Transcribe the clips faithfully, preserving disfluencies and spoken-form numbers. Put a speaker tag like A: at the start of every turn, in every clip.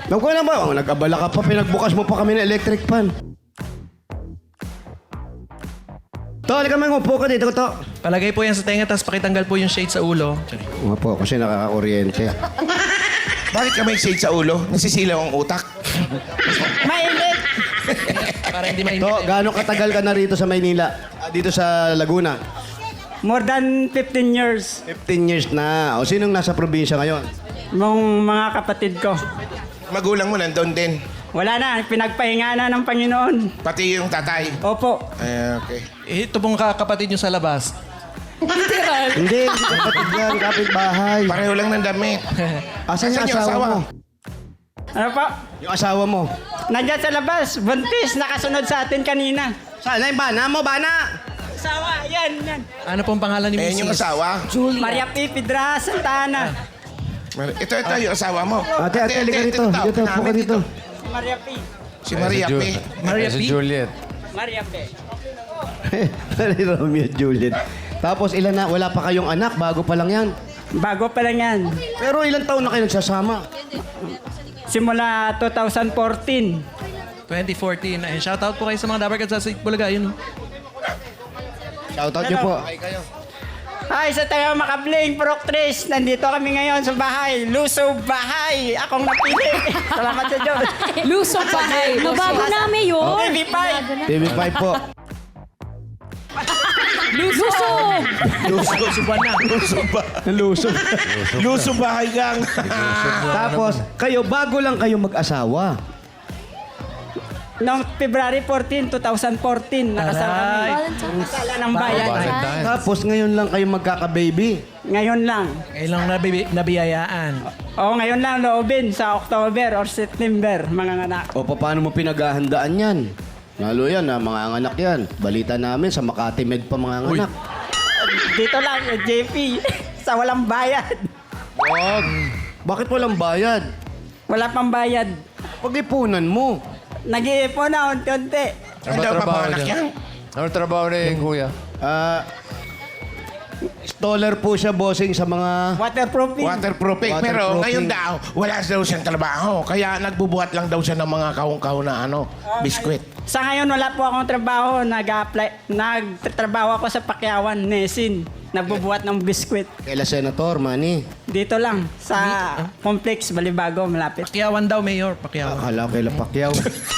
A: Naku na ba? Oh, nag-abala ka pa, pinagbukas mo pa kami ng electric fan. To, halika man, upo ka dito, to.
B: Palagay po yan sa tenga, tapos pakitanggal po yung shade sa ulo.
A: Nga po, kasi nakaka-kuryente.
C: Bakit ka may shade sa ulo? Nasisilaw ang utak.
D: Mainit!
B: Para hindi mainit.
A: To, gaano katagal ka na rito sa Maynila? Ah, dito sa Laguna?
D: More than fifteen years.
A: fifteen years na. O, sinong nasa probinsya ngayon?
D: Mong mga kapatid ko.
C: Magulang mo nandun din.
D: Wala na, pinagpahinga na ng Panginoon.
C: Pati yung tatay.
D: Opo.
C: Ay, okay.
B: Eh, ito pong kakapatid nyo sa labas.
A: Hindi, hindi kapatid yan, kapitbahay.
C: Pareho lang ng damit.
A: Asan yung
C: Asan yung
A: asawa
C: asawa?
A: mo?
D: Ano po?
A: Yung asawa mo?
D: Nandiyan sa labas, buntis, nakasunod sa atin kanina.
A: Saan na yung bana mo, bana?
D: Asawa, yan, yan.
B: Ano pong pangalan ni
C: Ayan yung
B: Missus?
C: asawa.
D: Maria P. Pedra Santana.
C: Ito, ito yung asawa mo.
A: Ate, ate, halika dito. Dito, upo ka dito.
D: Si Maria P.
C: Si Maria P.
B: Maria
E: Si
B: P.
E: Juliet.
D: Maria P.
A: Ni Romeo at Juliet. Tapos ilan na, wala pa kayong anak, bago pa lang yan.
D: Bago pa lang yan.
A: Pero ilang taon na kayo nagsasama?
D: Simula two thousand fourteen.
B: twenty fourteen. Ayun, shoutout po kayo sa mga Dabarkad sa Bulaga. Yun.
A: Shoutout niyo po.
D: Hi, sa tayo makabling, Proctris. Nandito kami ngayon sa bahay. Luso Bahay. Akong napili. Salamat sa Diyos.
F: Luso bahay. Mabago namin yun.
D: T V five.
A: T V five po.
F: Luso!
C: Luso ba na? Luso ba?
A: Luso.
C: Luso bahay gang.
A: Tapos, kayo, bago lang kayo mag-asawa.
D: Noong February fourteen, twenty fourteen, nakasal kami. Kasala ng bayan.
E: Valentine.
A: Tapos, ngayon lang kayo magkaka-baby.
D: Ngayon lang.
B: Ngayon lang nabi- nabiyayaan.
D: Oo, ngayon lang loobin sa October or September, mga anak.
A: O, paano mo pinaghahandaan yan? Lalo yan, ha, mga anak yan. Balita namin, sa Makati Med pa mga anak.
D: Dito lang, eh, J P, sa walang bayad.
A: Wag. Bakit walang bayad?
D: Wala pang bayad.
A: Pag-ipunan mo.
D: Nag-iipon na unti-unti.
C: Ano daw papanganak yan?
E: Ano trabaho ni Kuya?
A: Ah... Stoller po siya, bossing, sa mga...
D: Waterproofing.
C: Waterproofing. Pero
A: Waterproofing.
C: ngayon daw, wala daw siyang trabaho. Kaya nagbubuhat lang daw siya ng mga kahong-kahong na ano, biskwit.
D: Sa ngayon, wala po akong trabaho. Nag-apply, nagtatrabaho ako sa Pakyawan, Nesin. Nagbubuhat ng biskwit.
A: Kaila Senator, Manny.
D: Dito lang, sa Complex, Balibago, malapit.
B: Pakyawan daw, Mayor. Pakyawan.
A: Akala ko kaila Pacquiao.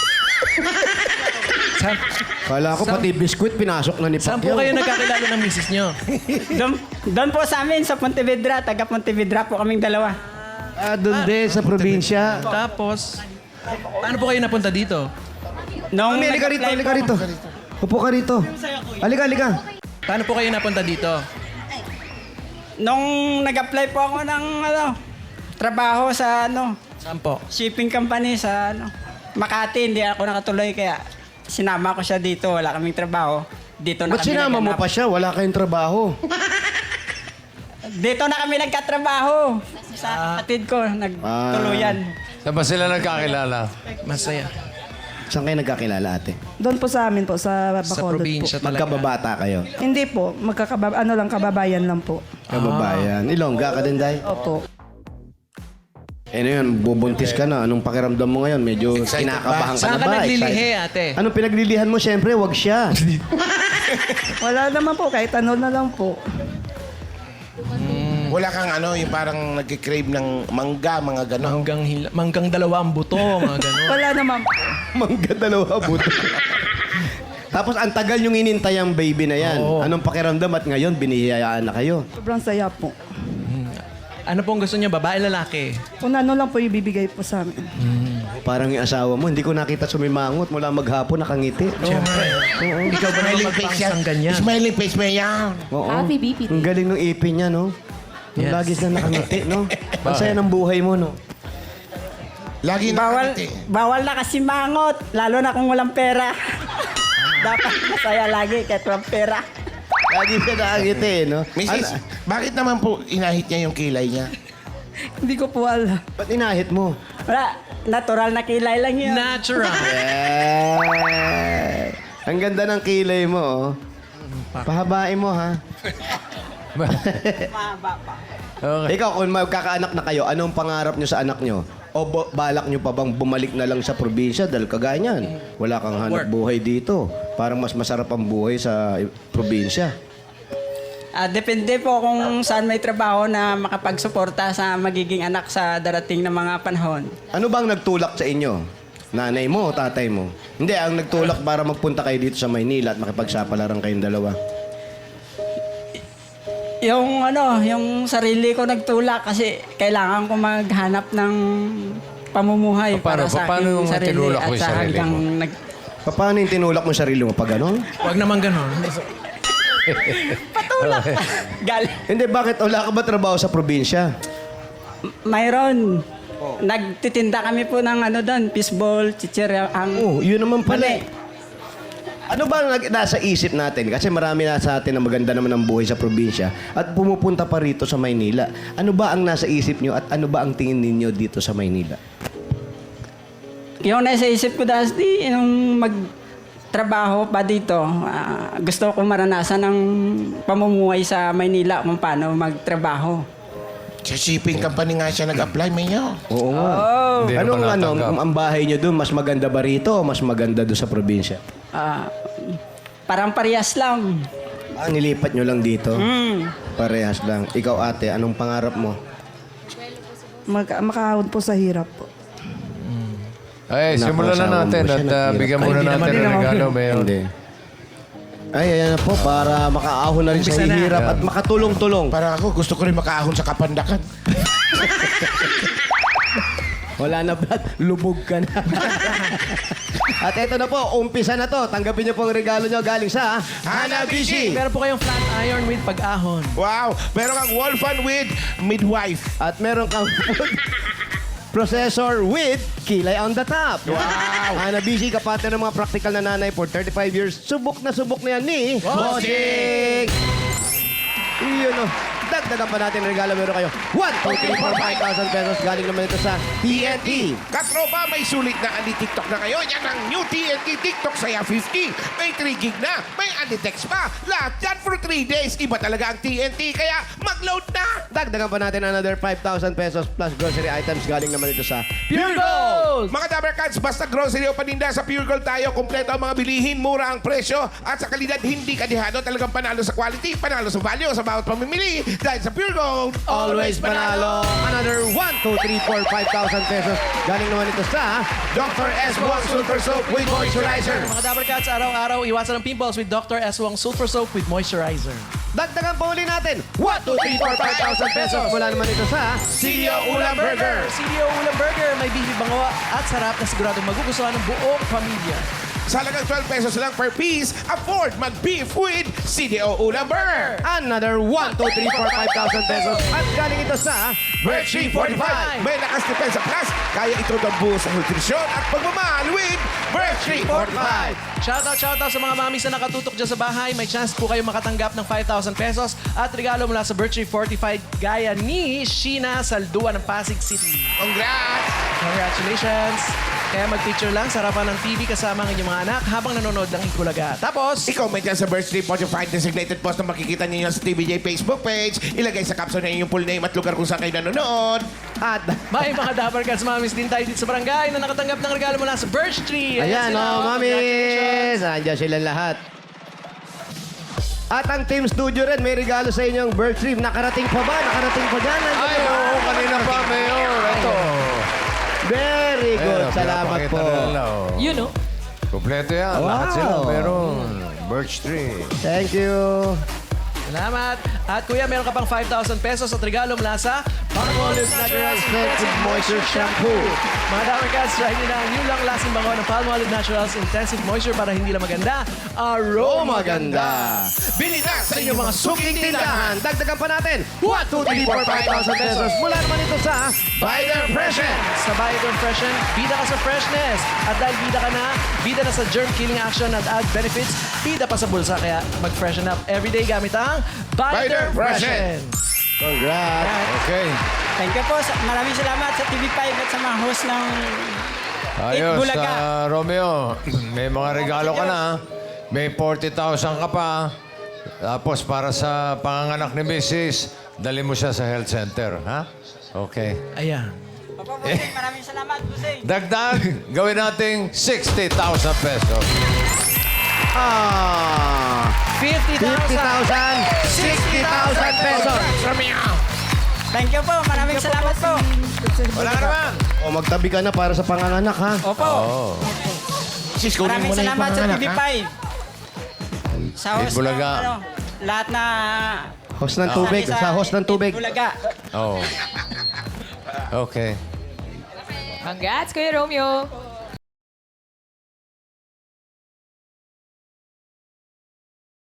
B: Saan,
A: Akala ko pati biskwit pinasok na ni
B: saan po
A: Pacquiao.
B: kayo nagkakilala ng misis nyo?
D: Doon, doon po sa amin, sa Pontevedra. Taga Pontevedra po kaming dalawa.
A: Ah, doon din, sa probinsya.
B: Tapos, paano po kayo napunta dito?
D: Nung
A: Mami, halika rito,
D: nag-apply
A: halika
D: po-
A: rito. Upo ka rito. Halika, halika.
B: Paano po kayo napunta dito?
D: Nung nag-apply po ako ng ano, trabaho sa ano,
B: Saan po?
D: shipping company sa ano, Makati, hindi ako nakatuloy kaya sinama ko siya dito, wala kaming trabaho. Dito na
A: Ba't
D: kami
A: sinama mo
D: naghanap.
A: pa siya? Wala kayong trabaho.
D: Dito na kami nagkatrabaho. Sa kapatid ko, nagtuluyan.
E: Saan ba sila nagkakilala?
B: Masaya.
A: Saan kayo nagkakilala, ate?
G: Doon po sa amin po, sa
B: Sa
G: Bacolod
B: probinsya
G: po.
B: talaga.
A: Magkababata kayo.
G: Hindi po, magkakabab ano lang, kababayan lang po.
A: Kababayan. Ilongga ka din, Day?
G: Opo.
A: Eh, ano yun, bubuntis ka na. Anong pakiramdam mo ngayon? Medyo
C: Excited
A: kinakabahan ka
B: Saan
A: na
B: ka
A: ba?
B: naglilihi,
A: Excited?
B: ate?
A: Anong pinaglilihan mo? Siyempre, wag siya.
G: Wala naman po, kahit ano na lang po.
C: Wala kang ano, yung parang nag-crave ng mangga, mga gano'n.
B: Manggang, hila, manggang dalawa ang buto, mga ganun.
G: Wala naman po.
A: Mangga dalawa buto. Tapos ang tagal yung inintay ang baby na yan.
B: Oo.
A: Anong pakiramdam at ngayon binihiyayaan na kayo?
G: Sobrang saya po.
B: Ano pong gusto niyo, babae, lalaki?
G: Kung ano lang po ibibigay po sa amin.
A: Parang yung asawa mo, hindi ko nakita sumimangot mula maghapon nakangiti.
B: Siyempre. Ikaw ba naman
C: Smiling face yan.
B: magpangsang ganyan?
C: Smiling face mo yan.
A: Oo.
F: Happy B P T.
A: Ang galing ng ipin niya, no? Yung
B: Yes.
A: lagi na nakangiti, no? Ang saya ng buhay mo, no?
C: Lagi
D: Bawal,
C: nakangiti.
D: bawal na kasi mangot, lalo na kung walang pera. Dapat masaya lagi kahit walang pera.
A: Lagi siya nakangiti, no?
C: Missus,
A: Ano-
C: bakit naman po inahit niya yung kilay niya?
G: Hindi ko po alam.
A: Ba't inahit mo?
D: Wala, natural na kilay lang yun.
B: Natural.
A: Eh, ang ganda ng kilay mo, oh. Pahabain mo, ha?
D: Mahaba pa.
E: Okay.
A: Ikaw, kung magkakaanak na kayo, anong pangarap nyo sa anak nyo? O bo- balak nyo pa bang bumalik na lang sa probinsya dahil kagaya niyan? Wala kang hanap
B: Work.
A: buhay dito. Parang mas masarap ang buhay sa i- probinsya.
D: Ah, depende po kung saan may trabaho na makapagsuporta sa magiging anak sa darating na mga panahon.
A: Ano bang nagtulak sa inyo? Nanay mo o tatay mo? Hindi, ang nagtulak para magpunta kayo dito sa Maynila at makipagsapalaran kayong dalawa.
D: Yung ano, yung sarili ko nagtulak kasi kailangan ko maghanap ng pamumuhay
E: Paano-
D: para sa
E: paano
D: aking
E: mo
D: sarili
E: tinulak
D: at
E: mo yung
D: sa
E: sarili
D: hanggang
E: mo?
D: nag...
A: Paano yung tinulak mo sarili mo pag ano?
B: Huwag naman ganun.
D: Patulak! Gal.
A: Hindi, bakit wala ka ba trabaho sa probinsya?
D: Mayroon. Nagtitinda kami po ng ano doon, fishball, chichirya, ang...
A: Oo, yun naman pala.
D: Mali.
A: eh. Ano ba ang nag- nasa isip natin? Kasi marami na sa atin na maganda naman ang buhay sa probinsya at pumupunta pa rito sa Maynila. Ano ba ang nasa isip nyo at ano ba ang tingin ninyo dito sa Maynila?
D: Yung nasa isip ko dati, yung magtrabaho pa dito, ah, gusto ko maranasan ng pamumuhay sa Maynila kung paano magtrabaho.
C: Sa shipping company nga siya nag-apply, Mayor.
A: Oo nga.
E: Hindi naman
A: Anong ano,
E: natanggap.
A: ang bahay nyo doon, mas maganda ba rito o mas maganda doon sa probinsya?
D: Ah, parang parehas lang.
A: Ah, nilipat nyo lang dito?
D: Hmm.
A: Parehas lang. Ikaw ate, anong pangarap mo?
G: Mag makahawad po sa hirap po.
E: Ay,
A: Nako,
E: simulan na
A: asawa mo
E: natin
A: siya,
E: at uh,
A: naghirap
E: bigyan
A: ka.
E: muna
B: Hindi
E: natin
B: naman
E: ng
B: din ako.
E: regalo, Mayor.
A: Hindi. Ay, ayan na po, para makaahon na rin sa
B: Umpisa na.
A: hirap at makatulong-tulong.
C: Parang ako, gusto ko rin makaahon sa kapandakan.
A: Wala na, Brad. Lubog ka na. At eto na po, umpisa na to. Tanggapin niyo po ang regalo niyo galing sa
C: Hanabishi!
B: Meron po kayong flat iron with pag-ahon.
C: Wow! Meron kang wall fan with midwife.
A: At meron kang food processor with kilay on the top. Wow! Hanabishi, kapatid ng mga practical na nanay for thirty-five years. Subok na subok na yan ni Bossing! Iyon o. Dagdagan pa natin ang regalo. Meron kayo one, two, three, four, five thousand pesos. Galing naman ito sa T N T.
C: Katropa, may sulit na Andy TikTok na ngayon. Yan ang new T N T TikTok Saya fifty. May three gig na. May Andy Text pa. Lahat yan for three days. Iba talaga ang T N T. Kaya mag-load na.
A: Dagdagan pa natin another five thousand pesos plus grocery items. Galing naman ito sa
B: Pure Gold!
C: Mga Dabber Cats, basta grocery o paninda sa Pure Gold tayo. Kompleto ang mga bilihin, mura ang presyo. At sa kalidad, hindi kadihado. Talagang panalo sa quality, panalo sa value, sa bawat pamimili. Dahil sa Pure Gold,
A: Always panalo. Another one, two, three, four, five thousand pesos. Galing naman ito sa
C: Doctor S. Wong Super Soap with Moisturizer.
B: Mga Dabber Cats, araw-araw, iwasan ang pimples with Doctor S. Wong Sulfur Soap with Moisturizer.
A: dagdagan pa uli natin. one, two, three, four, five thousand pesos. Mula naman ito sa
C: C D O Ulam Burger.
B: C D O Ulam Burger, may bibi bango at sarap na siguradong magugustuhan ng buong pamilya.
C: Sa halagang twelve pesos lang per piece, afford mag-beef with C D O Ulam Burger.
A: another one, two, three, four, five thousand pesos. At galing ito sa
C: Birchie forty-five. May lakas depensa plus. Kaya ito ang buo sa nutrisyon at pagmamahal with Birchie forty-five.
B: Shoutout, shoutout sa mga mamis na nakatutok dyan sa bahay. May chance po kayo makatanggap ng five thousand pesos at regalo mula sa Birchie forty-five gaya ni Sheena Saldua ng Pasig City.
C: Congrats!
B: Congratulations! Kaya mag-picture lang sa harapan ng T V kasama ang inyong mga anak habang nanonood ng Ikulaga. Tapos,
C: I-comment yan sa Birchie forty-five designated post na makikita ninyo sa T V J Facebook page. Ilagay sa caption na inyong full name at lugar kung saan kayo nanonood.
A: at
B: may mga Dabber Cats mamis din tayo dito sa barangay na nakatanggap ng regalo mula sa Birch Tree.
A: ayan,
B: sila,
A: oh,
B: congratulations.
A: mamis. Andiyan sila lahat. At ang Team Studio rin, may regalo sa inyong birth trip. Nakarating pa ba? Nakarating pa dyan? Nandiyan
E: Ay,
A: ba?
E: oo, kanina pa, Mayor. Ito.
A: Very good.
E: Ayan,
A: Salamat
E: pinapakita
A: po.
E: na nila, oh.
F: You know.
E: Kompleto yan.
A: Wow.
E: Lahat sila meron. Birch tree.
A: Thank you.
B: Salamat. At kuya, meron ka pang five thousand pesos at regalo mula sa
A: Palmolive Natural Sensitive Moisture Shampoo.
B: Mga Dabber Cats, try nyo na ang new long-lasting bango ng Palmolive Naturals Intensive Moisture para hindi lang maganda,
A: Oh,
B: aroma
A: maganda.
C: Bili na sa inyong mga suking
A: Suking
C: tindahan.
A: tindahan. Dagdagan pa natin. one, two, three, four, five thousand pesos. Mula naman ito sa
C: Buy their freshen.
B: Sa Bio Freshen, bida ka sa freshness. At dahil bida ka na, bida na sa germ-killing action at add benefits, bida pa sa bulsa. Kaya mag-freshen up everyday gamit ang
C: Buy their
B: Freshen.
A: Congrats.
E: Okay.
D: Thank you po. Sa- Maraming salamat sa T V five at sa mga host ng
E: Ayos,
D: Bulaga.
E: ah, Romeo. May mga regalo ka na. May forty thousand ka pa. Tapos para sa panganganak ni Missus, dali mo siya sa health center, ha? Okay.
B: Ayan.
D: Opo, Busing. Maraming salamat, Busing.
E: Dagdag, gawin nating sixty thousand pesos.
A: Ah,
B: fifty
A: fifty
B: thousand.
A: thousand, sixty thousand pesos.
D: Thank you po. Maraming salamat po.
E: Wala ka naman.
A: O, magtabi ka na para sa panganganak, ha?
D: Opo.
E: Oo.
C: Sis, kunin
D: Maraming
C: mo na yung
D: salamat sa T
C: panganak,
D: V
C: ha?
D: five. Sa host
E: Bulaga.
D: ng, ano, lahat na...
A: Host ng tubig, sa host ng tubig.
D: Bulaga.
E: Oo. Okay.
F: Congrats, Kuya Romeo.